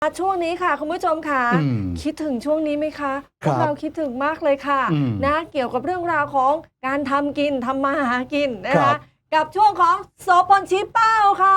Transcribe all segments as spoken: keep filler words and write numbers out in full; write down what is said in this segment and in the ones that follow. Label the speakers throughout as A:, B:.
A: ช่วงนี้ค่ะคุณผู้ชมค่ะคิดถึงช่วงนี้ไหมคะพวกเราคิดถึงมากเลยค่ะนะเกี่ยวกับเรื่องราวของการทำกินทำมาหากินนะคะกับช่วงของโสพลชี้เป้าค่ะ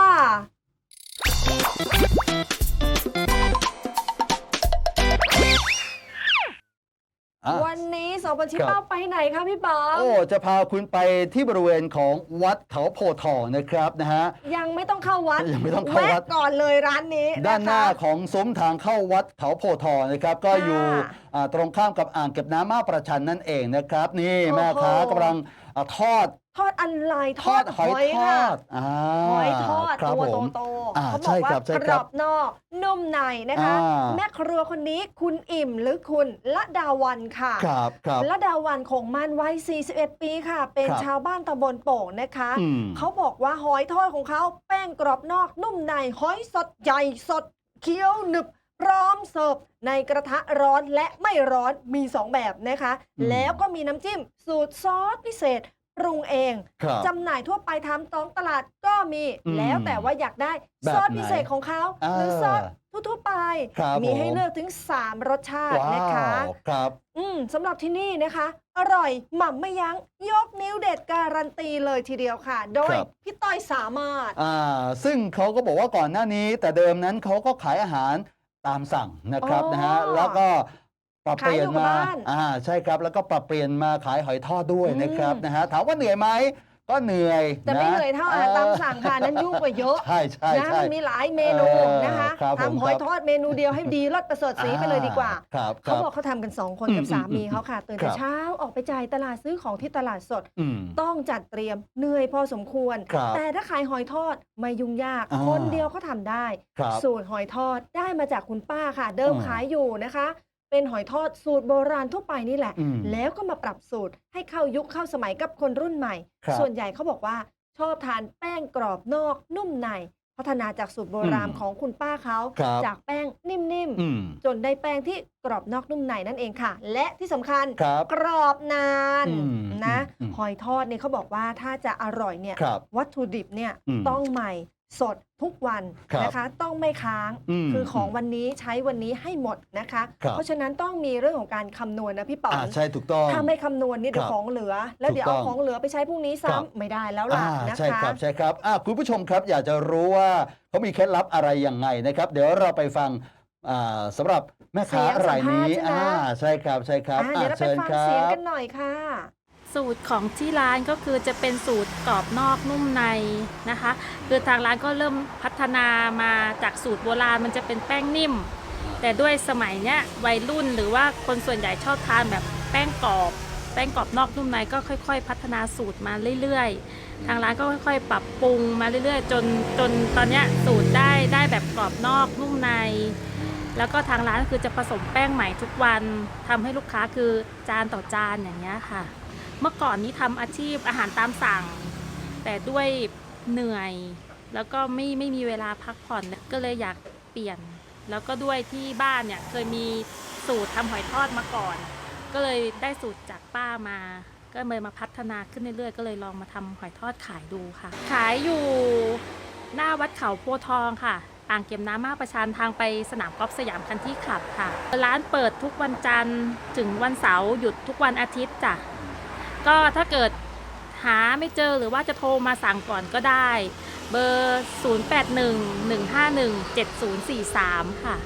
A: วันนี้โสพลชี้เป้าไปไหนคะพี่ป๋อง
B: โอ้จะพาคุณไปที่บริเวณของวัดเขาโพธิ์ทองนะครับนะฮะ
A: ยังไม่ต้องเข้าวัด
B: ยังไม่ต้องเข้าวัด
A: ก่อนเลยร้านนี้
B: ด้านหน้าของซุ้มทางเข้าวัดเขาโพธิ์ทองนะครับก็อยู่ตรงข้ามกับอ่างเก็บน้ำมาประชันนั่นเองนะครับนี่แม่ค้ากำลังทอด
A: ทอดอะไรทอดหอยทอดหอยทอดตัวโตๆเขาบอกว่ากรอบนอกนุ่มในนะคะแม่ครัวคนนี้คุณอิ่มหรือคุณละดาวันค่ะละดาวันคงมันวัยสี่สิบเอ็ดปีค่ะเป็นชาวบ้านตำบลโป่งนะคะเขาบอกว่าหอยทอดของเขาแป้งกรอบนอกนุ่มในหอยสดใหญ่สดเคี้ยวหนึบพร้อมเสิร์ฟในกระทะร้อนและไม่ร้อนมีสองแบบนะคะแล้วก็มีน้ำจิ้มสูตรซอสพิเศษปรุงเองจำหน่ายทั่วไปทำท้องตลาดก็มีแล้วแต่ว่าอยากได้ซอสพิเศษของเขาหรือซอสทั่วไปมีให้เลือกถึงสามรสชาตินะคะ
B: ครับ
A: อืมสำหรับที่นี่นะคะอร่อยหม่ำไม่ยั้งยกนิ้วเด็ดการันตีเลยทีเดียวค่ะโดยพี่ต้อยสามารถ
B: อ่าซึ่งเขาก็บอกว่าก่อนหน้านี้แต่เดิมนั้นเขาก็ขายอาหารตามสั่งนะครับนะฮะแล้วก็ปรับเปลี่ยนมาอ่าใช่ครับแล้วก็ปรับเปลี่ยนมาขายหอยทอดด้วยนะครับนะฮะถามว่าเหนื่อยไหมก็เหนื่อย
A: แต่ไม่เหนื่อยเท่าอาหารตามสั่งค่ะนั้นยุ่งกว่าเยอะ
B: ใช่ใช่
A: นะมันมีหลายเมนูนะคะทำหอยทอดเมนูเดียวให้ดีรสประเสริฐสีไปเลยดีกว่าเขาบอกเขาทำกันสองคนกับสามีเขาค่ะตื่นแต่เช้าออกไปจ่ายตลาดซื้อของที่ตลาดสดต้องจัดเตรียมเหนื่อยพอสมควรแต่ถ้าขายหอยทอดไม่ยุ่งยากคนเดียวเขาทำได้สูตรหอยทอดได้มาจากคุณป้าค่ะเดิมขายอยู่นะคะเป็นหอยทอดสูตรโบราณทั่วไปนี่แหละแล้วก็มาปรับสูตรให้เข้ายุคเข้าสมัยกับคนรุ่นใหม่ส่วนใหญ่เขาบอกว่าชอบทานแป้งกรอบนอกนุ่มในพัฒนาจากสูตรโบราณของคุณป้าเขาจากแป้งนิ่มๆจนได้แป้งที่กรอบนอกนุ่มในนั่นเองค่ะและที่สำคัญกรอบนานนะหอยทอดเนี่ยเขาบอกว่าถ้าจะอร่อยเนี่ยวัตถุดิบเนี่ยต้องใหม่สดทุกวันนะคะต้องไม่ค้างคือของวันนี้ใช้วันนี้ให้หมดนะคะเพราะฉะนั้นต้องมีเรื่องของการคำนวณนะพี่ป๋อง
B: ใช่ถูกต้อง
A: ถ้าไม่คำนวณนี่เดี๋ยวของเหลือแล้วเดี๋ยวเอาของเหลือไปใช้พรุ่งนี้ซ้ำไม่ได้แล้วล่ะนะคะ
B: ใช่ครับใช่ครับคุณผู้ชมครับอยากจะรู้ว่าเขามีเคล็ดลับอะไรยังไงนะครับเดี๋ยวเราไปฟังสำหรับแม่ค้ารายนี้ใช่ครับใช่ครับ
A: เดี๋ยวเราไปฟังเสียงกันหน่อยค่ะ
C: สูตรของที่ร้านก็คือจะเป็นสูตรกรอบนอกนุ่มในนะคะคือทางร้านก็เริ่มพัฒนามาจากสูตรโบราณมันจะเป็นแป้งนิ่มแต่ด้วยสมัยเนี้ยวัยรุ่นหรือว่าคนส่วนใหญ่ชอบทานแบบแป้งกรอบแป้งกรอบนอกนุ่มในก็ค่อยๆพัฒนาสูตรมาเรื่อยๆทางร้านก็ค่อยๆปรับปรุงมาเรื่อยๆจนจนตอนเนี้ยสูตรได้ได้แบบกรอบนอกนุ่มในแล้วก็ทางร้านคือจะผสมแป้งใหม่ทุกวันทำให้ลูกค้าคือจานต่อจานอย่างเงี้ยค่ะเมื่อก่อนนี้ทำอาชีพอาหารตามสั่งแต่ด้วยเหนื่อยแล้วก็ไม่ไม่มีเวลาพักผ่อนก็เลยอยากเปลี่ยนแล้วก็ด้วยที่บ้านเนี่ยเคยมีสูตรทำหอยทอดมาก่อนก็เลยได้สูตรจากป้ามาก็เลยมาพัฒนาขึ้นเรื่อยๆก็เลยลองมาทำหอยทอดขายดูค่ะขายอยู่หน้าวัดเขาโพธิ์ทองค่ะอ่างเก็บน้ำมาประชันทางไปสนามกอล์ฟสยามคันที่คลับค่ะร้านเปิดทุกวันจันทร์ถึงวันเสาร์หยุดทุกวันอาทิตย์จ้ะก็ถ้าเกิดหาไม่เจอหรือว่าจะโทรมาสั่งก่อนก็ได้เบอร์ ศูนย์ แปด หนึ่ง หนึ่ง ห้า หนึ่ง เจ็ด ศูนย์ สี่ สาม ค่ะ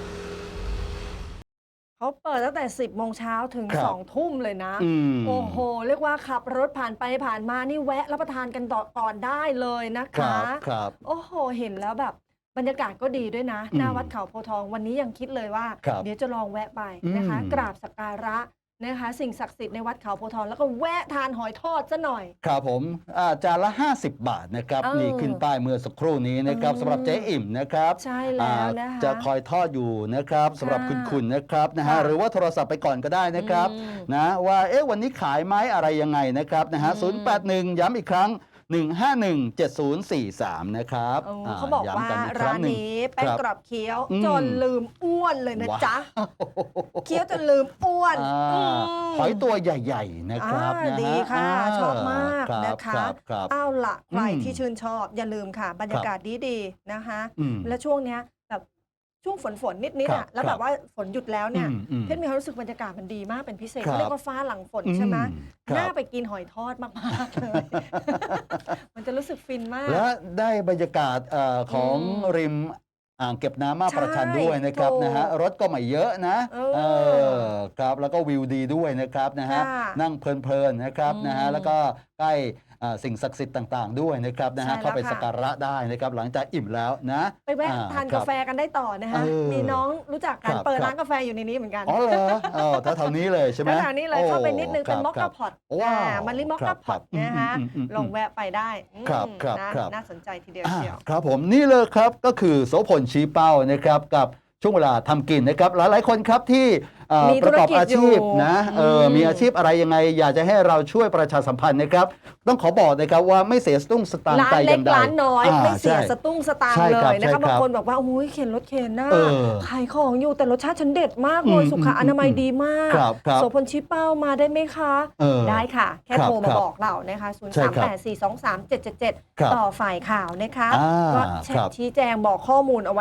A: เขาเปิดตั้งแต่สิบโมงเช้าถึงสองทุ่มเลยนะโอ้โหเรียกว่าขับรถผ่านไปผ่านมานี่แวะรับประทานกันก่อนได้เลยนะคะ
B: ครับ
A: โอ้โหเห็นแล้วแบบบรรยากาศก็ดีด้วยนะหน้าวัดเขาโพธิ์ทองวันนี้ยังคิดเลยว่าเดี๋ยวจะลองแวะไปนะคะกราบสักการะนะคะสิ่งศักดิ์สิทธิ์ในวัดเขาโพธิ์ทองแล้วก็แวะทานหอยทอดซะหน่อย
B: ครับผมจานละห้าสิบบาทนะครับนี่ขึ้นป้ายเมื่อสักครู่นี้นะครับสำหรับเจ๊อิ่มนะครับ
A: ใช่แล้วนะคะ
B: จะคอยทอดอยู่นะครับสำหรับคุณคุณนะครับนะฮะหรือว่าโทรศัพท์ไปก่อนก็ได้นะครับนะว่าเอ๊ะวันนี้ขายไหมอะไรยังไงนะครับนะฮะศูนย์ แปด หนึ่งย้ำอีกครั้งหนึ่ง ห้า หนึ่ง เจ็ด ศูนย์ สี่ สามนะครับ
A: เขาบอกว่าร้านนี้แป้งกรอบเคี้ยวจนลืมอ้วนเลยนะจ๊ะเคี้ยวจนลืมอ้วน
B: หอยตัวใหญ่ๆนะครับ
A: ดีค่ะชอบมากนะคะเอาล่ะใครที่ชื่นชอบอย่าลืมค่ะบรรยากาศดีๆนะคะและช่วงนี้แบบช่วงฝนฝนนิดนิด
B: ครั
A: อ่ะ
B: บ
A: แล้วแบบว่าฝนหยุดแล้วเนี่ย
B: อืมอืม
A: เพชรมีความรู้สึกบรรยากาศมันดีมากเป็นพิเศษ
B: ครับ
A: เขาเรียกว่าฟ้าหลังฝนใช่ไหม
B: อืมครับ
A: น่าไปกินหอยทอดมากๆเลย มันจะรู้สึกฟินมาก
B: และได้บรรยากาศเอ่อของ
A: อืม
B: ริมอ่างเก็บน้ำมา
A: ใช่
B: ประชันด้วยนะครับ
A: ถูก
B: นะฮะรถก็ไม่เยอะนะ
A: เออ
B: เออครับแล้วก็วิวดีด้วยนะครับนะฮะ
A: ค่ะ
B: นั่งเพลินๆนะครับ
A: อืม
B: นะฮะแล้วก็ใกล้อ่าสิ่งศักดิ์สิทธิ์ต่างๆด้วยนะครับนะฮะ
A: ใช่แล้ว
B: เข้าไป
A: ค่ะ
B: สักการะได้นะครับหลังจากอิ่มแล้วนะ
A: ไปแวะ
B: อ่
A: ทาน
B: ครั
A: กา
B: บ
A: แฟกันได้ต่อนะคะ
B: เออ
A: มีน้องรู้จักกัน
B: ครับ
A: เปิด
B: ครับ
A: ร้านกาแฟอยู่ในนี้เหมือนกัน
B: อ๋อเหรออ๋อแถวๆนี้เลยใช่ไหม
A: แถวๆนี้เลยเข้าไปนิดนึง
B: โ
A: เป็นมอค
B: ครั
A: กา
B: บ
A: พอต
B: ว้าว
A: มันลิมอค
B: ครั
A: กา
B: บ
A: พอต
B: ครับ
A: นะคะ
B: อืมอืมอืม
A: ลองแวะไปได้อืม
B: ครับครับ
A: นะครับ น่าสนใจทีเดียว
B: อ่า
A: เชียว
B: ครับผมนี่เลยครับก็คือโสพลชี้เป้านะครับกับช่วงเวลาทำกินนะครับหลายๆคนครับที่เอ่อ
A: มี
B: ประกอบ
A: ธุรกิจ
B: อาชีพ
A: อยู่
B: นะเออ
A: อืม
B: มีอาชีพอะไรยังไง อยากจะให้เราช่วยประชาสัมพันธ์นะครับ ต้องขอบอกนะครับว่าไม่เสียสตุ้งสตางค์
A: ร้าน
B: แต่อ
A: เล็ก
B: ย่างใด
A: ร้านน้อย
B: อ่า
A: ไม่เสีย
B: ใช่
A: สตุ้งสตาง
B: ใช่
A: ค์เล
B: ครับ
A: ยนะ
B: ใช่
A: คะ
B: ครับ
A: บางคนบอกว่าโอ้ยเข็นรถเข็นหน้า
B: เออ
A: ขายของอยู่แต่รสชาติฉันเด็ดมากเลย
B: อืม
A: สุขอนามัยดีมาก
B: ครับครับ
A: โสพลชี้เป้ามาได้ไหมคะ
B: เออ
A: ได้ค่ะ แค่
B: ครับ
A: โทรมา
B: ครับ
A: บอกเรานะคะศูนย์
B: ใช่
A: สาม
B: ครับ
A: แปด สี่ สอง สาม เจ็ด เจ็ด เจ็ด
B: ครับ
A: ต่อฝ่ายข่าวนะคะ
B: อ่า
A: ก็
B: ครับ
A: ชี้แจงบอกข้อมูลเอาไว้